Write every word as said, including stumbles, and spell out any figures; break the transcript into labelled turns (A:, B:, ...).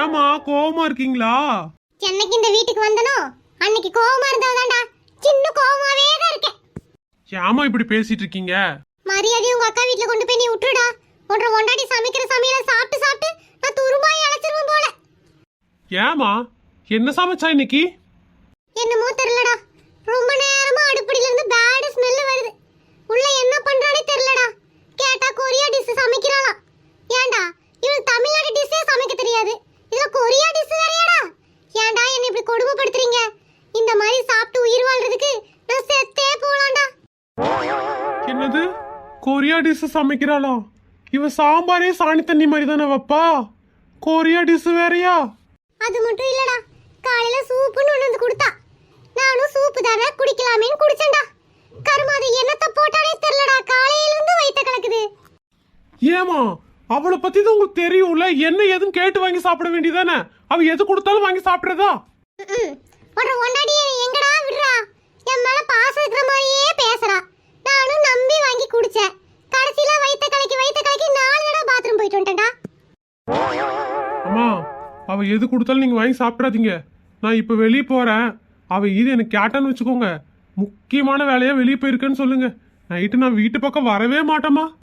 A: ஏமா கோவமா இருக்கீங்களா?
B: சென்னைக்கு இந்த வீட்டுக்கு வந்தனோ அன்னைக்கு கோவமா இருந்ததாண்டா, சின்ன கோவமாவே தான் இருக்கேன்.
A: ஏமா இப்படி பேசிட்டு இருக்கீங்க?
B: மரியாதை உங்க அக்கா வீட்ல கொண்டு போய் நீ விட்டுடா. ஒன்ற ஒண்டாடி சமைக்கிற சமையல சாப்பிட்டு சாப்பிட்டு நான் துரும்பாய் அழைச்சிருவேன் போல.
A: ஏமா என்ன சமைச்சா இன்னைக்கு?
B: என்னமோ தெரியலடா, ரொம்ப நேரமா அடுப்படியில இருந்து பேட் ஸ்மெல் வருது. உள்ள என்ன பண்றானே தெரியலடா. கேட்டா கொரியா டிஷ் சமைக்கிறாளாம். ஏன்டா இவளுக்கு தமிழ்நாடு டிஷ்ஷே சமைக்க தெரியாது, இதுல கொரியா டிஷ் வேறயாடா? ஏன்டா என்ன இப்படி கொடுமைப்படுத்துறீங்க? இந்த மாதிரி சாப்பிட்டு உயிர் வாழ்றதுக்கு நான் செத்தே போலாம்டா.
A: என்னது கொரியா டிஷ் சமைக்கிறாளா? இவ சாம்பாரே சாணி தண்ணி மாதிரி தானே வைப்பா, கொரியா டிஷ் வேறயா?
B: அது மட்டும் இல்லடா, காலையில சூப்புன்னு ஒன்று வந்து கொடுத்தா. நானும் சூப்பு தானே குடிக்கலாமேன்னு குடிச்சேன்டா. கருமாதி என்னத்த போட்டாலே தெரியலடா, காலையில இருந்து வயித்த கலக்குது.
A: ஏமா அவளை பத்தி தான் உங்களுக்கு தெரியும்ல, என்ன ஏதுன்னு கேட்டு வாங்கி சாப்பிட வேண்டியதானே? அவ எது கொடுத்தாலும் வாங்கி சாப்பிடுறதா?
B: ஒரு ஒன்னாடி எங்கடா விடுறா? என் மேல பாசம் இருக்கிற மாதிரியே பேசுறா. நானும் நம்பி வாங்கி குடிச்சேன். கடைசியில வயித்த கலக்கி வயித்த கலக்கி நாலு தடவை பாத்ரூம் போயிட்டு வந்துட்டேன்டா.
A: அம்மா அவ எது கொடுத்தாலும் நீங்க வாங்கி சாப்பிடாதீங்க. நான் இப்ப வெளியே போறேன். அவ இது எனக்கு கேட்டான்னு வச்சுக்கோங்க, முக்கியமான வேலையா வெளியே போயிருக்கேன்னு சொல்லுங்க. நைட்டு நான் வீட்டு பக்கம் வரவே மாட்டேமா.